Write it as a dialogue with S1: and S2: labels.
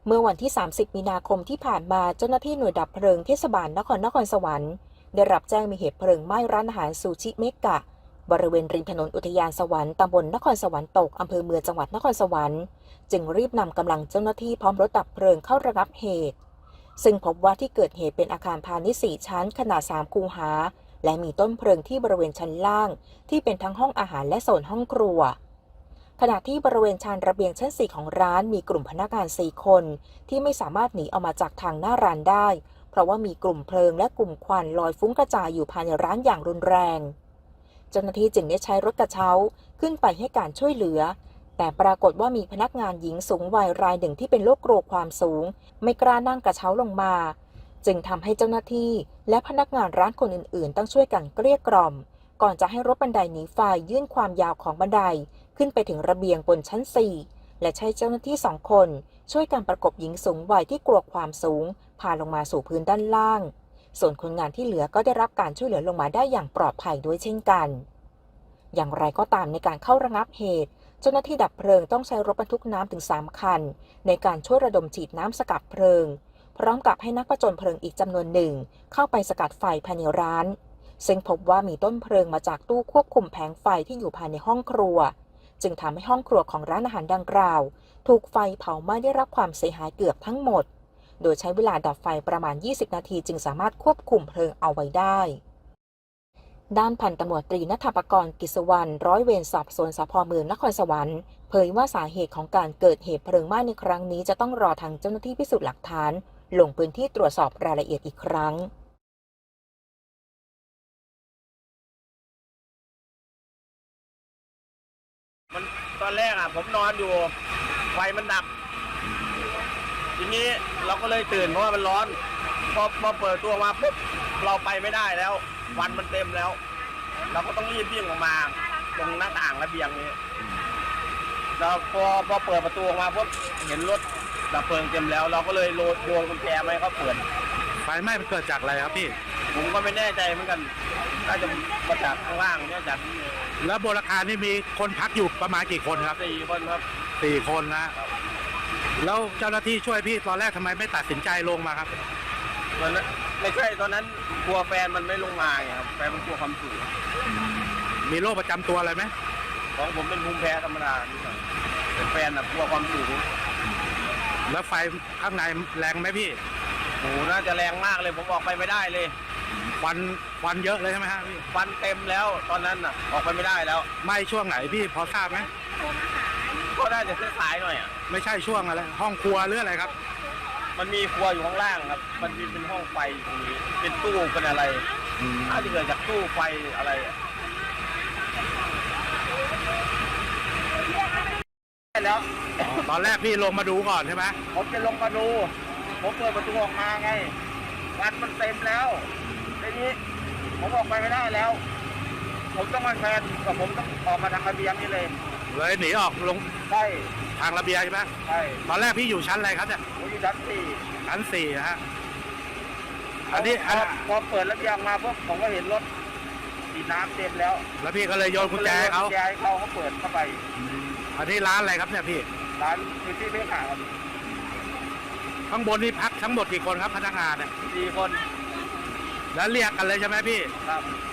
S1: เมื่อวันที่ 30 มีนาคมที่ผ่านมาเจ้าหน้าที่หน่วยดับเพลิงเทศบาลนครสวรรค์ได้รับแจ้งมีเหตุเพลิงไหม้ร้านอาหารซูชิเมกะบริเวณริมถนนอุทยานสวรรค์ตำบลนครสวรรค์ตกอำเภอเมืองจังหวัดนครสวรรค์จึงรีบนำกำลังเจ้าหน้าที่พร้อมรถดับเพลิงเข้าระงับเหตุซึ่งพบว่าที่เกิดเหตุเป็นอาคารพาณิชย์4ชั้นขนาด3คูหาและมีต้นเพลิงที่บริเวณชั้นล่างที่เป็นทั้งห้องอาหารและโซนห้องครัวขณะที่บริเวณชานระเบียงชั้น4ของร้านมีกลุ่มพนักงาน4คนที่ไม่สามารถหนีออกมาจากทางหน้าร้านได้เพราะว่ามีกลุ่มเพลิงและกลุ่มควันลอยฟุ้งกระจายอยู่ภายในร้านอย่างรุนแรงเจ้าหน้าที่จึงได้ใช้รถกระเช้าขึ้นไปให้การช่วยเหลือแต่ปรากฏว่ามีพนักงานหญิงสูงวัยรายหนึ่งที่เป็นโรคกลัวความสูงไม่กล้านั่งกระเช้าลงมาจึงทำให้เจ้าหน้าที่และพนักงานร้านคนอื่นๆต้องช่วยกันเกลี้ยกล่อมก่อนจะให้รถบันไดหนีไฟยื่นความยาวของบันไดขึ้นไปถึงระเบียงบนชั้น4และใช้เจ้าหน้าที่2คนช่วยกันประกบหญิงสูงวัยที่กลัวความสูงพาลงมาสู่พื้นด้านล่างส่วนคนงานที่เหลือก็ได้รับการช่วยเหลือลงมาได้อย่างปลอดภัยด้วยเช่นกันอย่างไรก็ตามในการเข้าระงับเหตุเจ้าหน้าที่ดับเพลิงต้องใช้รถบรรทุกน้ำถึง3คันในการช่วยระดมฉีดน้ำสกัดเพลิงพร้อมกับให้นักผจญเพลิงอีกจำนวนหนึ่งเข้าไปสกัดไฟภายในร้านซึ่งพบว่ามีต้นเพลิงมาจากตู้ควบคุมแผงไฟที่อยู่ภายในห้องครัวจึงทำให้ห้องครัวของร้านอาหารดังกล่าวถูกไฟเผาไหม้ได้รับความเสียหายเกือบทั้งหมดโดยใช้เวลาดับไฟประมาณ20นาทีจึงสามารถควบคุมเพลิงเอาไว้ได้ด้านพันตำรวจตรีณัฐปกรณ์ กิจวรรณร้อยเวรสอบสวนสภ.เมืองนครสวรรค์เผยว่าสาเหตุของการเกิดเหตุเพลิงไหม้ในครั้งนี้จะต้องรอทางเจ้าหน้าที่พิสูจน์หลักฐานลงพื้นที่ตรวจสอบรายละเอียดอีกครั้ง
S2: ตอนแรกผมนอนอยู่ไฟมันดับทีนี้เราก็เลยตื่นเพราะว่ามันร้อนพอเปิดตัวมาปุ๊บเราไปไม่ได้แล้วควันมันเต็มแล้วเราก็ต้องรีบวิ่งออกมาตรงหน้าต่างระเบียงนี้แล้วพอเปิดประตูออกมาปุ๊บเห็นรถดับเพลิงเต็มแล้วเราก็เลยโยนกุญแจมาให้เขาเปิด
S3: ไฟไหม้เกิดจากอะไรครับพี่
S2: ผมก็ไม่แน่ใจเหมือนกันน่าจะมาจากข้างล่างเนี่ยจาก
S3: แล้วบนอาคารนี่มีคนพักอยู่ประมาณกี่คนครับ
S2: 4 คนครับ
S3: 4 คนนะแล้วเจ้าหน้าที่ช่วยพี่ตอนแรกทำไมไม่ตัดสินใจลงมาครับ
S2: มันไม่ใช่ตอนนั้นกลัวแฟนมันไม่ลงมาไงครับแฟนมันกลัวความสูง
S3: มีโรคประจำตัวอะไรไหม
S2: ของผมเป็นภูมิแพ้ธรรมดาแต่แฟนกลัวความสูง
S3: แล้วไฟข้างในแรงไหมพี่
S2: โอ้น่าจะแรงมากเลยผมออกไปไม่ได้เลย
S3: ควันเยอะเลยใช่ไหมฮะพี่
S2: ควันเต็มแล้วตอนนั้นออกไปไม่ได้แล้ว
S3: ไหม้ช่วงไหนพี่พอทราบไหม
S2: ก็ได้แต่สายหน่อย
S3: ไม่ใช่ช่วงอะไรห้องครัวหรืออะไรครับ
S2: มันมีครัวอยู่ข้างล่างครับมันมีเป็นห้องไฟตรงนี้เป็นตู้เป็นอะไรน่าจะเกิดจากตู้ไฟอะไรแล้ว
S3: ตอนแรกพี่ลงมาดูก่อนใช่ไหม
S2: ผมจะลงมาดูผมเปิดประตูออกมาไงควันมันเต็มแล้วทีนี้ผมออกไปไม่ได้แล้วผมต้องมาแฟนกับผมต้องออกมาทางระเบียงนี่เลย
S3: หนีออกลง
S2: ใช่
S3: ทางระเบียงใช่ไหม
S2: ใช่
S3: ตอนแรกพี่อยู่ชั้นอะไรครับเนี่ย
S2: ผมอยู่ชั้น 4
S3: นะฮะอันนี้
S2: พอเปิดระเบียงมาพวกผมก็เห็นรถฉีดน้ำเต็มแล้ว
S3: แล้วพี่ก็เลยโยนกุญแจเขา
S2: เปิดเข้าไป
S3: อันนี้ร้านอะไรครับเนี่ยพี่
S2: ร้านคือที่ไม่ขาด
S3: ข้างบนนี่พักทั้งหมดกี่คนครับพนักงานเนี่ย
S2: 4 คน
S3: แล้วเรียกกันเลยใช่ไหมพี่
S2: ครับ